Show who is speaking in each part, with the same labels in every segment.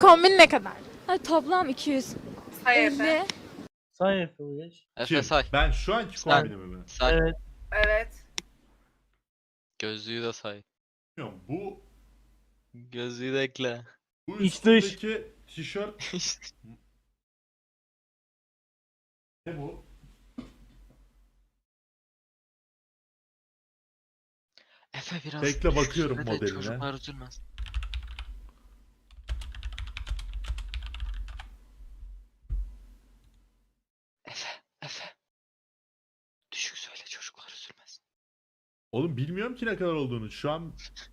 Speaker 1: kombin ne kadar?
Speaker 2: Ay, toplam 200.
Speaker 3: Say
Speaker 2: 50.
Speaker 3: Efe.
Speaker 4: Say Efe Uyar.
Speaker 5: Efe say.
Speaker 6: Ben şu anki
Speaker 5: Sen.
Speaker 6: kombinimi mi?
Speaker 5: Say.
Speaker 4: Evet.
Speaker 3: Evet.
Speaker 5: Gözlüğü de say.
Speaker 6: Bilmiyorum, bu
Speaker 5: Gözlüğü de ekle.
Speaker 4: İç dış.
Speaker 6: üstündeki tişört ne bu?
Speaker 5: Efe biraz.
Speaker 6: Bekle, bakıyorum
Speaker 5: Şöyle de
Speaker 6: modeline.
Speaker 5: Çocuklar üzülmez. Efe. Düşük söyle, çocuklar üzülmez.
Speaker 6: Oğlum bilmiyorum ki ne kadar olduğunu. Şu an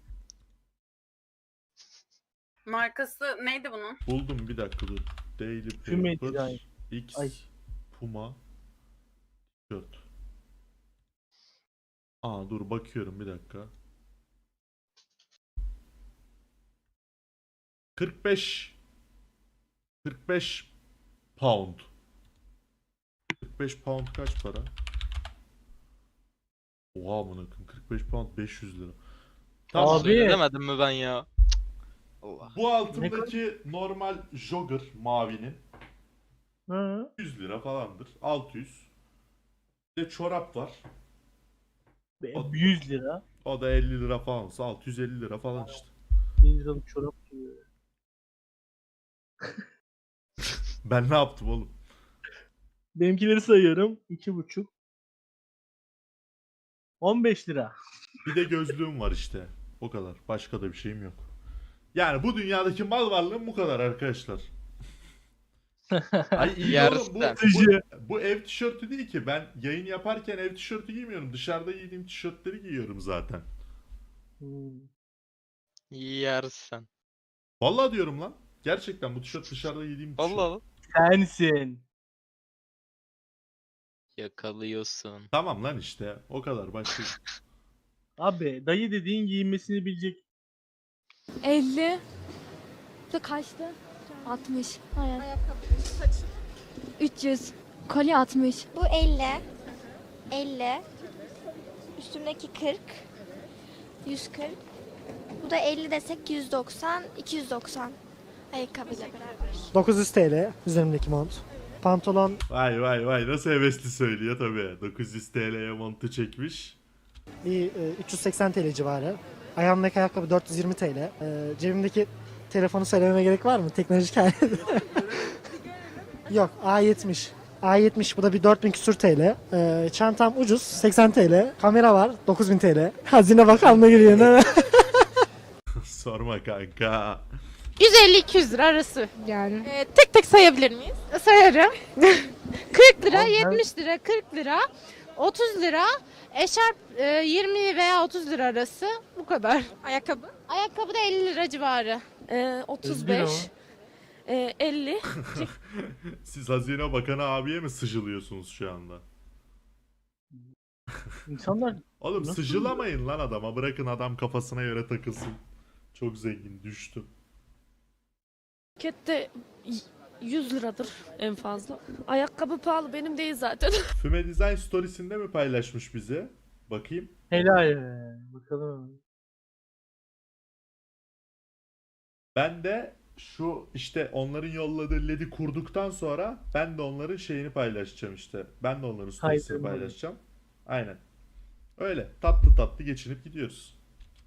Speaker 3: Markası neydi bunun?
Speaker 6: buldum, bir dakika dur. Daily
Speaker 4: Füme
Speaker 6: Paper
Speaker 4: Design.
Speaker 6: X
Speaker 4: Ay.
Speaker 6: Puma tişört. Aa dur, bakıyorum bir dakika. 45 pound. 45 pound kaç para? Oha, bunu 45 pound 500 lira. Tamam.
Speaker 4: Abi.
Speaker 5: Söylemedim mi ben ya? Allah.
Speaker 6: Bu altındaki normal jogger mavinin
Speaker 4: Hı.
Speaker 6: 100 lira falandır. 600. Bir de çorap var.
Speaker 4: 100 lira.
Speaker 6: O da 50 lira falansa 650 lira falan işte.
Speaker 4: 1 liralık çorap diyor.
Speaker 6: Ben ne yaptım oğlum?
Speaker 4: Benimkileri sayıyorum. 2,5. 15 lira.
Speaker 6: Bir de gözlüğüm var işte. O kadar. Başka da bir şeyim yok. Yani bu dünyadaki mal varlığım bu kadar arkadaşlar. Ay iyi de oğlum, bu ev tişörtü değil ki. Ben yayın yaparken ev tişörtü giymiyorum. Dışarıda giydiğim tişörtleri giyiyorum zaten.
Speaker 4: Hmm.
Speaker 5: Yersen.
Speaker 6: Vallahi diyorum lan. Gerçekten bu tişört dışarıda giydiğim tişört.
Speaker 5: Allah.
Speaker 4: Sensin.
Speaker 5: Yakalıyorsun.
Speaker 6: Tamam lan işte. O kadar. Başka.
Speaker 4: Abi dayı dediğin giyinmesini bilecek.
Speaker 2: 50. Bu da kaçtı? 60. Hayır.
Speaker 1: Ayakkabı, saçı.
Speaker 2: 300. Kolye 60.
Speaker 7: Bu 50. 50. Üstümdeki 40. 140. Bu da 50 desek 190. 290. Ayakkabıyla beraber.
Speaker 8: 900 TL üzerimdeki mont. Pantolon
Speaker 6: Vay vay vay, nasıl hevesli söylüyor tabii. 900 TL'ye montu çekmiş.
Speaker 8: bir 380 TL civarı. Ayağımdaki ayakkabı 420 TL. Cebimdeki telefonu söylememe gerek var mı? Teknolojik alet. Yok, A70. A70, bu da bir 4000 küsür TL. Çantam ucuz 80 TL. Kamera var 9000 TL. Hazine Bakanlığı giriyor değil mi?
Speaker 6: Sorma kanka.
Speaker 1: 150-200 lira arası.
Speaker 2: Yani.
Speaker 1: Tek tek sayabilir miyiz?
Speaker 2: Sayarım. 40 lira,
Speaker 4: Abi ben-
Speaker 2: 70 lira, 40 lira, 30 lira, eşarp 20 veya 30 lira arası. Bu kadar.
Speaker 1: Ayakkabı?
Speaker 2: Ayakkabı da 50 lira civarı.
Speaker 4: 35.
Speaker 2: 50.
Speaker 6: Siz Hazine Bakanı abiye mi sıcılıyorsunuz şu anda?
Speaker 4: İnsanlar
Speaker 6: Oğlum
Speaker 4: Nasıl
Speaker 6: sıcılamayın lan adama. Bırakın adam kafasına göre takılsın. Çok zengin, düştü.
Speaker 9: Markette 100 liradır en fazla. Ayakkabı pahalı, benim değil zaten.
Speaker 6: Füme Design Stories'inde mi paylaşmış bize? Bakayım.
Speaker 4: helal be. Bakalım.
Speaker 6: Ben de şu işte onların yolladığı LED'i kurduktan sonra ben de onların şeyini paylaşacağım işte. Ben de onların stories'ini
Speaker 4: Kaydırmalı.
Speaker 6: paylaşacağım. Aynen. Öyle tatlı tatlı geçinip gidiyoruz.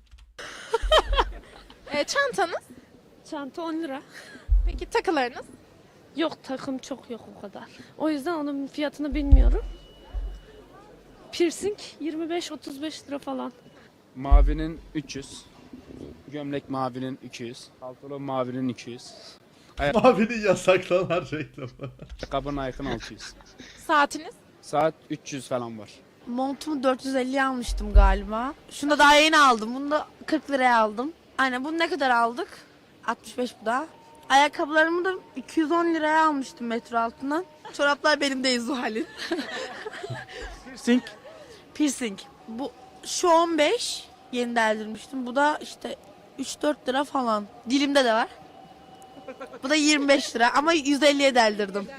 Speaker 1: Çantanız?
Speaker 9: Çanta 10 lira.
Speaker 1: Peki takılarınız?
Speaker 9: Yok, takım çok yok o kadar. O yüzden onun fiyatını bilmiyorum. Piercing 25-35 lira falan.
Speaker 10: Mavinin 300. Gömlek mavinin 200. Pantolon mavinin 200.
Speaker 6: Mavinin yasaklanan reklamı.
Speaker 10: Ayakkabının Nike'ın 600.
Speaker 1: Saatiniz?
Speaker 10: Saat 300 falan var.
Speaker 11: Montumu 450'ye almıştım galiba. Şunu da daha yeni aldım. Bunu da 40 liraya aldım. Aynen, bunu ne kadar aldık? 65 bu da. Ayakkabılarımı da 210 liraya almıştım metro altından. Çoraplar benim değil Zuhal'in.
Speaker 4: Piercing.
Speaker 11: Piercing. Bu şu 15. Yeni deldirmiştim. Bu da işte 3-4 lira falan. Dilimde de var. Bu da 25 lira ama 150'ye deldirdim.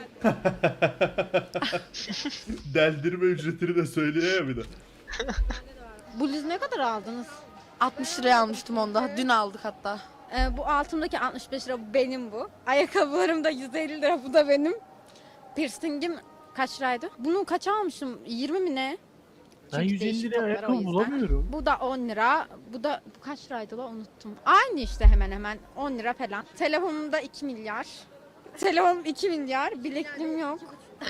Speaker 6: Deldirme ücretini de söylüyor ya bir de.
Speaker 2: Bluz ne kadar aldınız?
Speaker 11: 60 liraya almıştım onda. Dün aldık hatta.
Speaker 2: Bu altımdaki 65 lira benim bu. Ayakkabılarım da 150 lira bu da benim. Piercing'im kaç liraydı? Bunu kaç almışım? 20 mi ne?
Speaker 4: Ben
Speaker 2: Çünkü
Speaker 4: 150
Speaker 2: değişik
Speaker 4: liraya
Speaker 2: toplar o
Speaker 4: ayakkabı
Speaker 2: yüzden.
Speaker 4: bulamıyorum.
Speaker 2: Bu da 10 lira. Bu kaç liraydı la unuttum. Aynı işte hemen hemen 10 lira falan. Telefonum da 2 milyar. Telefonum 2 milyar. Bilekliğim yok.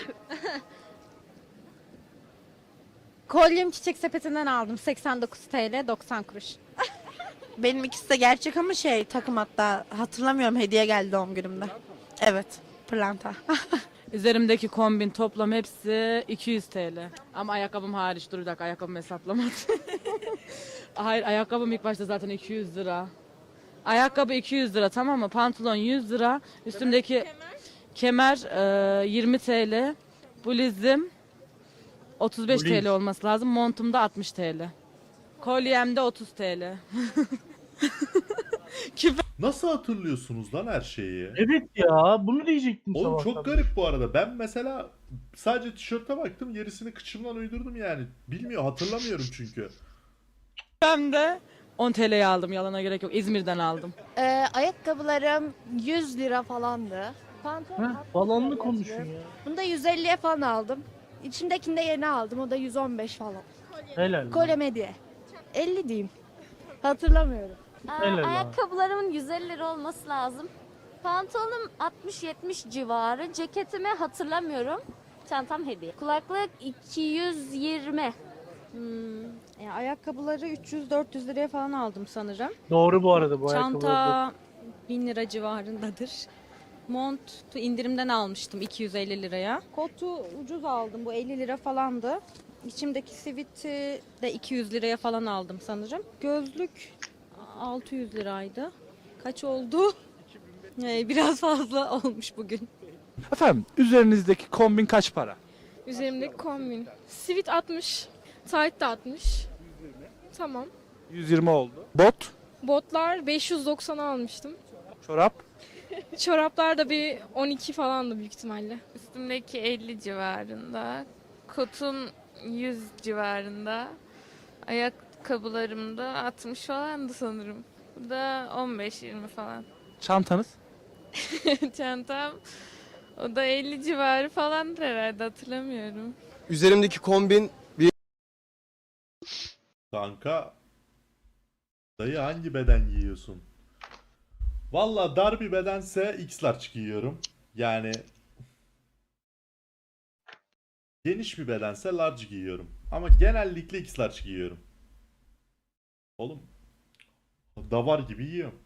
Speaker 2: Kolyem Çiçek Sepeti'nden aldım. 89 TL 90 kuruş.
Speaker 11: Benim ikisi de gerçek ama takım hatta hatırlamıyorum, hediye geldi doğum günümde. Evet, pırlanta.
Speaker 9: Üzerimdeki kombin toplam hepsi 200 TL. Ama ayakkabım hariç. Dur bir dakika, ayakkabımı hesaplamadım. Hayır, ayakkabım ilk başta zaten 200 lira. Ayakkabı 200 lira, tamam mı? Pantolon 100 lira. Üstümdeki kemer 20 TL. Bluzum 35
Speaker 4: Bluz.
Speaker 9: TL olması lazım. Montum da 60 TL. Kolyem de 30 TL.
Speaker 6: Nasıl hatırlıyorsunuz lan her şeyi?
Speaker 4: Evet ya bunu diyecektim
Speaker 6: Oğlum
Speaker 4: sabahtan
Speaker 6: çok
Speaker 4: beri.
Speaker 6: garip bu arada. Ben mesela sadece tişörte baktım, gerisini kıçımdan uydurdum yani. Bilmiyor, hatırlamıyorum çünkü.
Speaker 9: Ben de 10 TL'ye aldım, yalana gerek yok. İzmir'den aldım.
Speaker 7: Ayakkabılarım 100 lira falandı. Pantolon
Speaker 4: Heh, falanlı konuşun ya.
Speaker 7: Bunu da 150'ye falan aldım. İçimdekini de yeni aldım. O da 115 falan.
Speaker 4: Helal.
Speaker 7: Kolem hediye. 50 diyeyim. Hatırlamıyorum.
Speaker 4: Helal abi.
Speaker 7: Ayakkabılarımın 150 lira olması lazım. Pantolonum 60-70 civarı. Ceketimi hatırlamıyorum. Çantam hediye. Kulaklık 220.
Speaker 2: Ayakkabıları 300-400 liraya falan aldım sanırım.
Speaker 4: Doğru bu arada bu ayakkabılar.
Speaker 2: Çanta 1000 lira civarındadır. Montu indirimden almıştım 250 liraya. Kotu ucuz aldım, bu 50 lira falandı. İçimdeki siviti de 200 liraya falan aldım sanırım. Gözlük 600 liraydı. Kaç oldu? Biraz fazla olmuş bugün.
Speaker 10: Efendim, üzerinizdeki kombin kaç para?
Speaker 1: Üzerimdeki kombin. Sivit 60. Tight da 60. Tamam.
Speaker 10: 120 oldu. Bot,
Speaker 1: Botlar 590 almıştım.
Speaker 10: çorap,
Speaker 1: Çoraplar da bir 12 falandı büyük ihtimalle.
Speaker 3: Üstümdeki 50 civarında. Kotun 100 civarında. Ayakkabılarım da 60 falandı sanırım. Bu da 15-20 falan.
Speaker 10: çantanız.
Speaker 3: Çantam o da 50 civarı falandır herhalde, hatırlamıyorum.
Speaker 12: Üzerimdeki kombin
Speaker 6: Kanka, dayı hangi beden giyiyorsun? Valla dar bir bedense X-large giyiyorum. Yani geniş bir bedense large giyiyorum. Ama genellikle X-large giyiyorum. Oğlum, davar gibi yiyorum.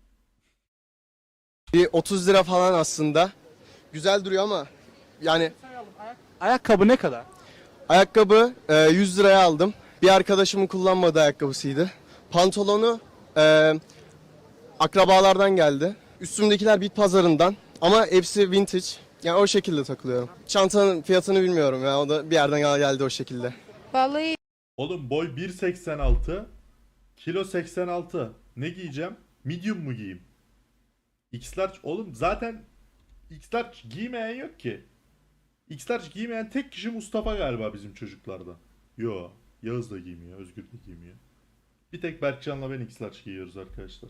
Speaker 12: bir 30 lira falan aslında. Güzel duruyor ama yani
Speaker 10: Ayakkabı ne kadar?
Speaker 12: ayakkabı 100 liraya aldım. Bir arkadaşımın kullanmadığı ayakkabısıydı. Pantolonu akrabalardan geldi. Üstümdekiler bit pazarından ama hepsi vintage. Yani o şekilde takılıyorum. Çantanın fiyatını bilmiyorum ya, o da bir yerden geldi o şekilde.
Speaker 11: Vallahi
Speaker 6: Oğlum boy 1.86, kilo 86. Ne giyeceğim? Medium mu giyeyim? X-large oğlum, zaten X-large giymeyen yok ki. X-large giymeyen tek kişi Mustafa galiba bizim çocuklarda. Yo, Yağız da giymiyor, Özgür de giymiyor. Bir tek Berkcan'la ben X-large giyiyoruz arkadaşlar.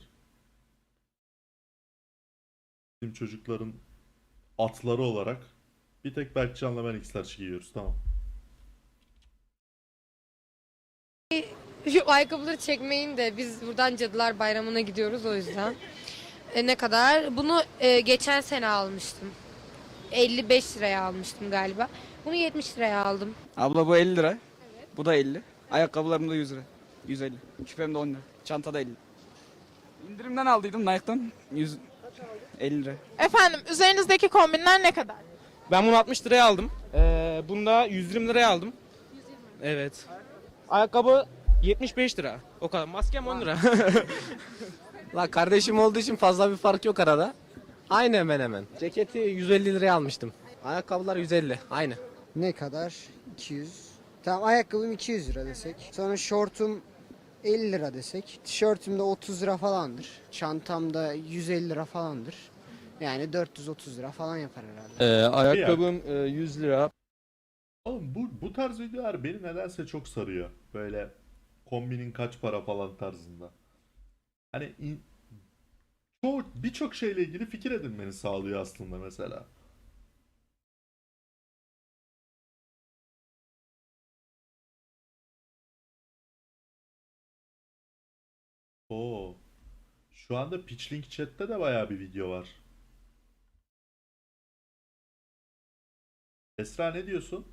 Speaker 6: Bizim çocukların atları olarak bir tek Berkcan'la ben X-large giyiyoruz, tamam.
Speaker 11: şu ayakkabıları çekmeyin de biz buradan Cadılar Bayramı'na gidiyoruz o yüzden. Ne kadar? Bunu geçen sene almıştım. 55 liraya almıştım galiba. Bunu 70 liraya aldım.
Speaker 10: Abla bu 50 lira. Bu da 50. Ayakkabılarım da 100 lira. 150. Küpem de 10 lira. Çanta da 50. İndirimden aldıydım Nike'dan. 150 lira.
Speaker 1: Efendim üzerinizdeki kombinler ne kadar?
Speaker 10: Ben bunu 60 liraya aldım. Bunu da 120 liraya aldım. Evet. Ayakkabı 75 lira. O kadar. Maskem 10 lira.
Speaker 12: La kardeşim olduğu için fazla bir fark yok arada. Aynı hemen hemen. Ceketi 150 liraya almıştım. Ayakkabılar 150. Aynı.
Speaker 8: Ne kadar? 200. Tamam, ayakkabım 200 lira desek. Sonra şortum 50 lira desek. Tişörtüm de 30 lira falandır. Çantam da 150 lira falandır. Yani 430 lira falan yapar herhalde.
Speaker 6: ayakkabım
Speaker 12: 100 lira.
Speaker 6: Oğlum bu tarz videolar beni nedense çok sarıyor. Böyle kombinin kaç para falan tarzında. Hani birçok şeyle ilgili fikir edinmeni sağlıyor aslında mesela. Oo. Şu anda Pitchlink chat'te de bayağı bir video var. Esra ne diyorsun?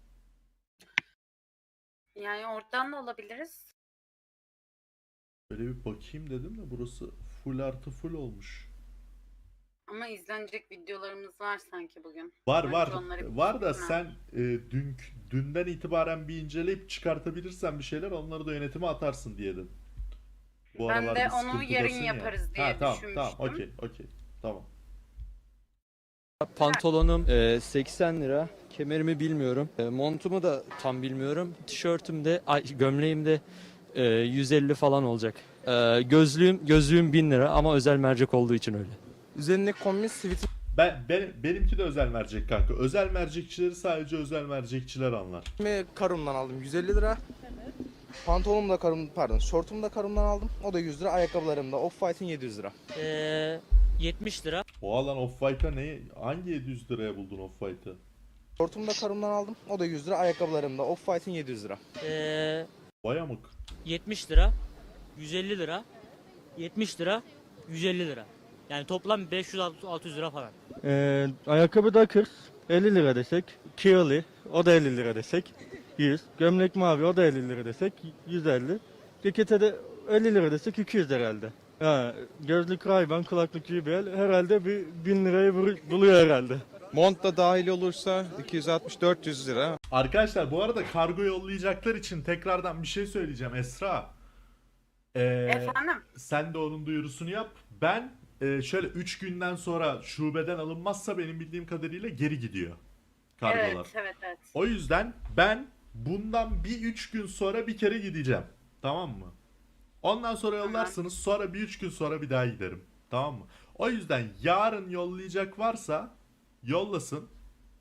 Speaker 2: Yani oradan da olabiliriz.
Speaker 6: Böyle bir bakayım dedim de burası full artı full olmuş.
Speaker 2: Ama izlenecek videolarımız var sanki bugün.
Speaker 6: Var
Speaker 2: Bence
Speaker 6: var.
Speaker 2: onları bir
Speaker 6: Var da
Speaker 2: düşünme.
Speaker 6: sen dünden itibaren bir inceleyip çıkartabilirsen bir şeyler onları da yönetime atarsın diye dedim. Bu
Speaker 2: Ben
Speaker 6: aralar
Speaker 2: de
Speaker 6: bir
Speaker 2: onu
Speaker 6: sıkıntıdasın
Speaker 2: yarın
Speaker 6: ya.
Speaker 2: yaparız diye
Speaker 6: Tamam
Speaker 2: düşünmüştüm.
Speaker 6: okey tamam.
Speaker 13: Pantolonum 80 lira. Kemerimi bilmiyorum. Montumu da tam bilmiyorum. Tişörtüm de, gömleğim de 150 falan olacak. Gözlüğüm 1000 lira ama özel mercek olduğu için öyle.
Speaker 12: Üzerindeki kombin sivit
Speaker 6: Benimki de özel mercek kanka. Özel mercekçileri sadece özel mercekçiler anlar.
Speaker 12: Karum'dan aldım 150 lira. Pantolonumu da Karum, pardon, şortumu da Karum'dan aldım. O da 100 lira. Ayakkabılarım da Off-White'in 700 lira.
Speaker 9: 70 lira.
Speaker 6: O alan Off-White'a hangi 700 liraya buldun Off-White'ı?
Speaker 12: Şortumu da Karum'dan aldım. O da 100 lira. Ayakkabılarım da Off-White'in 700 lira.
Speaker 6: Vay amık.
Speaker 9: 70 lira. 150 lira. 70 lira. 150 lira. Yani toplam 500-600 lira falan.
Speaker 13: Ayakkabı Dockers 50 lira desek. Kirli o da 50 lira desek. 100. Gömlek mavi o da 50 lira desek. 150. Cekete de 50 lira desek 200 herhalde. Gözlük Ray-Ban, kulaklık JBL herhalde bir 1000 lirayı buluyor herhalde.
Speaker 12: Mont da dahil olursa 260-400 lira.
Speaker 6: Arkadaşlar bu arada kargo yollayacaklar için tekrardan bir şey söyleyeceğim Esra.
Speaker 2: Efendim?
Speaker 6: Sen de onun duyurusunu yap. Ben şöyle 3 günden sonra şubeden alınmazsa benim bildiğim kadarıyla geri gidiyor kargolar.
Speaker 2: Evet.
Speaker 6: O yüzden ben bundan bir 3 gün sonra bir kere gideceğim. Tamam mı? Ondan sonra yollarsınız. Sonra bir 3 gün sonra bir daha giderim. Tamam mı? O yüzden yarın yollayacak varsa yollasın.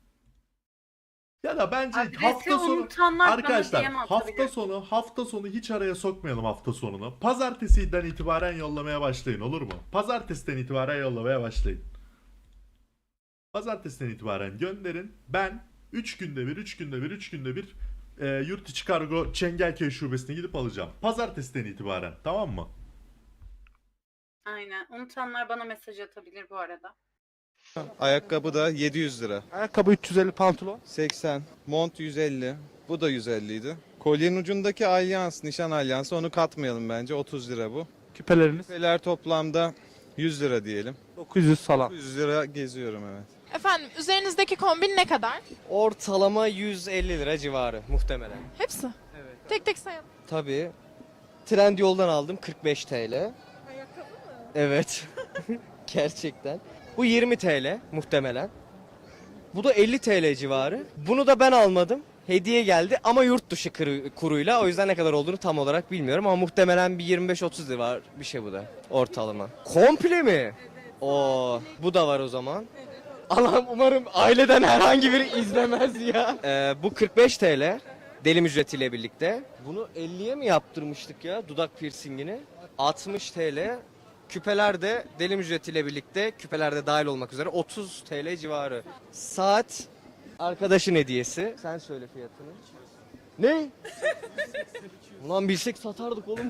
Speaker 6: Ya da bence
Speaker 2: Adresi
Speaker 6: hafta sonu
Speaker 2: unutanlar bana
Speaker 6: arkadaşlar
Speaker 2: DM atabilir.
Speaker 6: hafta sonu hiç araya sokmayalım hafta sonunu. Pazartesiden itibaren yollamaya başlayın, olur mu? Pazartesiden itibaren yollamaya başlayın. Pazartesiden itibaren gönderin. Ben 3 günde bir yurt içi kargo Çengelköy şubesine gidip alacağım. Pazartesiden itibaren, tamam mı?
Speaker 2: Aynen. Unutanlar bana mesaj atabilir bu arada.
Speaker 12: Ayakkabı da 700 lira.
Speaker 13: Ayakkabı 350, pantolon
Speaker 12: 80. Mont 150. Bu da 150 idi. Kolyenin ucundaki alyans, nişan alyansı, onu katmayalım bence. 30 lira bu.
Speaker 13: küpeleriniz
Speaker 12: Küpeler toplamda 100 lira diyelim.
Speaker 13: 900 falan.
Speaker 12: 100 lira geziyorum, evet.
Speaker 1: Efendim üzerinizdeki kombin ne kadar?
Speaker 13: Ortalama 150 lira civarı muhtemelen.
Speaker 1: Hepsi.
Speaker 13: Evet.
Speaker 1: Tek tek sayalım.
Speaker 13: Tabii. Trendyol'dan aldım 45 TL.
Speaker 1: Ayakkabı mı?
Speaker 13: Evet. Gerçekten. Bu 20 TL muhtemelen. Bu da 50 TL civarı. Bunu da ben almadım. Hediye geldi ama yurt dışı kuruyla. O yüzden ne kadar olduğunu tam olarak bilmiyorum ama muhtemelen bir 25-30 lira var bir şey bu da ortalama. Komple mi? Evet. Oo, bu da var o zaman. Allah'ım umarım aileden herhangi biri izlemez ya. Bu 45 TL. Delim ücretiyle birlikte. Bunu 50'ye mi yaptırmıştık ya dudak piercingini? 60 TL. Küpeler de delim ücretiyle birlikte, küpeler de dahil olmak üzere 30 TL civarı. Saat arkadaşın hediyesi. Sen söyle fiyatını. Ne? Ulan bilsek satardık oğlum.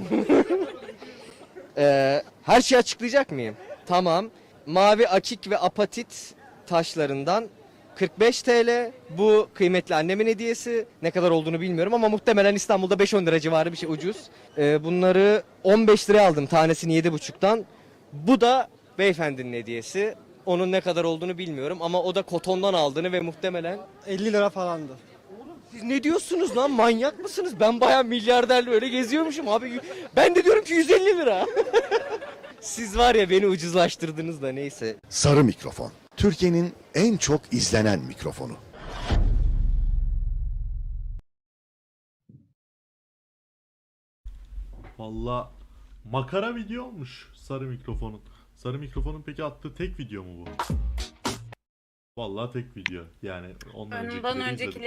Speaker 13: Her şeyi açıklayacak mıyım? Tamam. Mavi akik ve apatit taşlarından 45 TL. Bu kıymetli annemin hediyesi. Ne kadar olduğunu bilmiyorum ama muhtemelen İstanbul'da 5-10 lira civarı bir şey, ucuz. Bunları 15 liraya aldım tanesini 7,5'tan. Bu da beyefendinin hediyesi. Onun ne kadar olduğunu bilmiyorum ama o da kotondan aldığını ve muhtemelen
Speaker 12: 50 lira falandı.
Speaker 13: siz ne diyorsunuz lan, manyak mısınız? Ben bayağı milyarderle öyle geziyormuşum abi. Ben de diyorum ki 150 lira. Siz var ya beni ucuzlaştırdınız da neyse.
Speaker 14: Sarı mikrofon. Türkiye'nin en çok izlenen mikrofonu.
Speaker 6: Valla makara video olmuş sarı mikrofonun. Sarı mikrofonun peki attığı tek video mu bu? Vallahi tek video. Yani ondan
Speaker 2: Ondan
Speaker 6: öncekileri
Speaker 2: öncekileri